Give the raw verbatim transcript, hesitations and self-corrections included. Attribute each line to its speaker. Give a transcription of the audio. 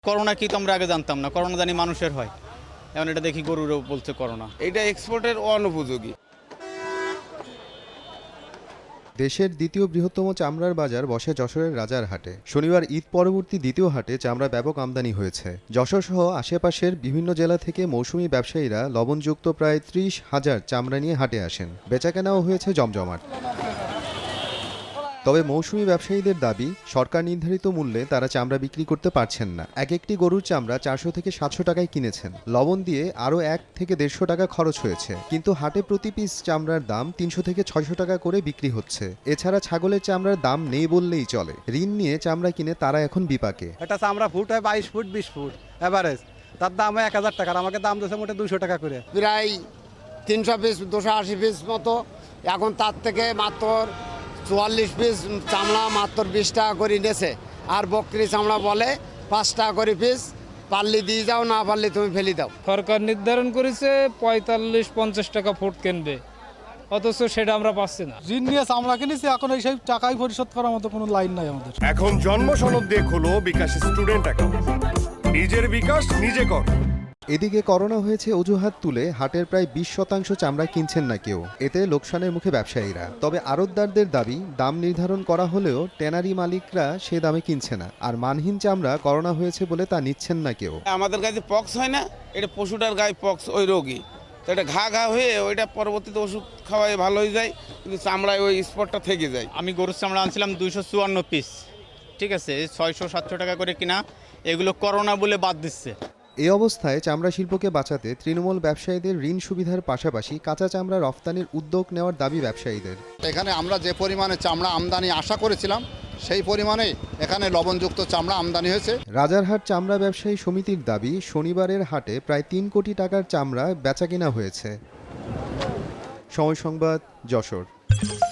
Speaker 1: Corona কি তো আমরা আগে জানতাম না, করোনা জানি মানুষের হয়, এখন এটা দেখি গরুরও বলছে করোনা।
Speaker 2: এটা এক্সপোর্টের অনুপযোগী।
Speaker 3: দেশের দ্বিতীয় বৃহত্তম চামড়ার বাজার বসে যশোরের রাজারহাটে। শনিবার ঈদ পরবর্তী দ্বিতীয় হাটে চামড়া ব্যাপক আমদানি হয়েছে। যশোর সহ আশেপাশের বিভিন্ন জেলা থেকে মৌসুমি ব্যবসায়ীরা লবণযুক্ত প্রায় ত্রিশ হাজার চামড়া নিয়ে হাটে আসেন। বেচাকেনাও হয়েছে জমজমাট। তবে মৌসুমি ব্যবসায়ীদের দাবি, সরকার নির্ধারিত মূল্যে তারা চামড়া বিক্রি করতে পারছেন না। এক একটি গরুর চামড়া চারশো থেকে সাতশো টাকায় কিনেছেন। লবণ দিয়ে আরও এক থেকে দেড়শো টাকা খরচ হয়েছে, কিন্তু হাটে প্রতি পিস চামড়ার দাম তিনশো থেকে ছয়শো টাকা করে বিক্রি হচ্ছে। এছাড়া ছাগলের চামড়ার দাম নেই বললেই চলে। ঋণ নিয়ে চামড়া কিনে তারা এখন বিপাকে।
Speaker 4: এটা চামড়া ফুট হয় বাইশ ফুট বিশ ফুট এভারেজ, তার দাম হয় এক হাজার টাকার, আমাকে দাম দিয়েছে মোটে দুশো টাকা করে।
Speaker 2: প্রায় তিনশো পিস দুশো আশি পিস মতো, এখন তার থেকে মাত্র চুয়াল্লিশ পিস চামড়া মাত্র বিশ টাকা করে নিয়েছে। আর বকরি চামড়া বলে পাঁচ টাকা করে পিস, পারলে দিয়ে যাও, না পারলে তুমি ফেলে দাও।
Speaker 5: সরকার নির্ধারণ করেছে পঁয়তাল্লিশ পঞ্চাশ টাকা ফুট কিনবে, অথচ সেটা আমরা পাচ্ছি না।
Speaker 6: ঋণ নিয়ে চামড়া কিনেছি, এখন এই সেই টাকাই পরিশোধ করার মতো কোনো লাইন নাই আমাদের।
Speaker 7: এখন জন্ম সনদ দিয়ে খোলো বিকাশ স্টুডেন্ট অ্যাকাউন্ট, নিজের বিকাশ নিজে কর।
Speaker 3: এদিকে করোনা হয়েছে অজুহাত তুলে হাটের প্রায় বিশ শতাংশ চামড়া কিনছেন না কেউ। এতে লোকসানের মুখে ব্যবসায়ীরা। তবে আড়তদারদের দাবি, দাম নির্ধারণ করা হলেও ট্যানারি মালিকরা সে দামে কিনছে না। আর মানহীন চামড়া করোনা হয়েছে বলে তা নিচ্ছেন না কেউ।
Speaker 2: আমাদের গায়ে পক্স হয় না, এটা পশুটার গায়ে পক্স, ওই রোগী তো এটা ঘা ঘা হয়ে ওইটা পরবর্তীতে ওষুধ খাওয়ায় ভালো হয়ে যায়, কিন্তু চামড়ায় ওই স্পটটা থেকে যায়।
Speaker 1: আমি গরুর চামড়া আনছিলাম দুইশো চুয়ান্ন পিস, ঠিক আছে, ছয়শো সাতশো টাকা করে কিনা, এগুলো করোনা বলে বাদ দিচ্ছে।
Speaker 3: এ অবস্থায় চামড়া শিল্পকে বাঁচাতে তৃণমূল ব্যবসায়ীদের ঋণ সুবিধার পাশাপাশি কাঁচা চামড়া রফতানির উদ্যোগ নেওয়ার দাবি ব্যবসায়ীদের।
Speaker 8: এখানে আমরা যে পরিমাণে চামড়া আমদানি আশা করেছিলাম, সেই পরিমাণে এখানে লবণযুক্ত চামড়া আমদানি হয়েছে।
Speaker 3: রাজারহাট চামড়া ব্যবসায়ী সমিতির দাবি, শনিবারের হাটে প্রায় তিন কোটি টাকার চামড়া বেচাকেনা হয়েছে। সময় সংবাদ, যশোর।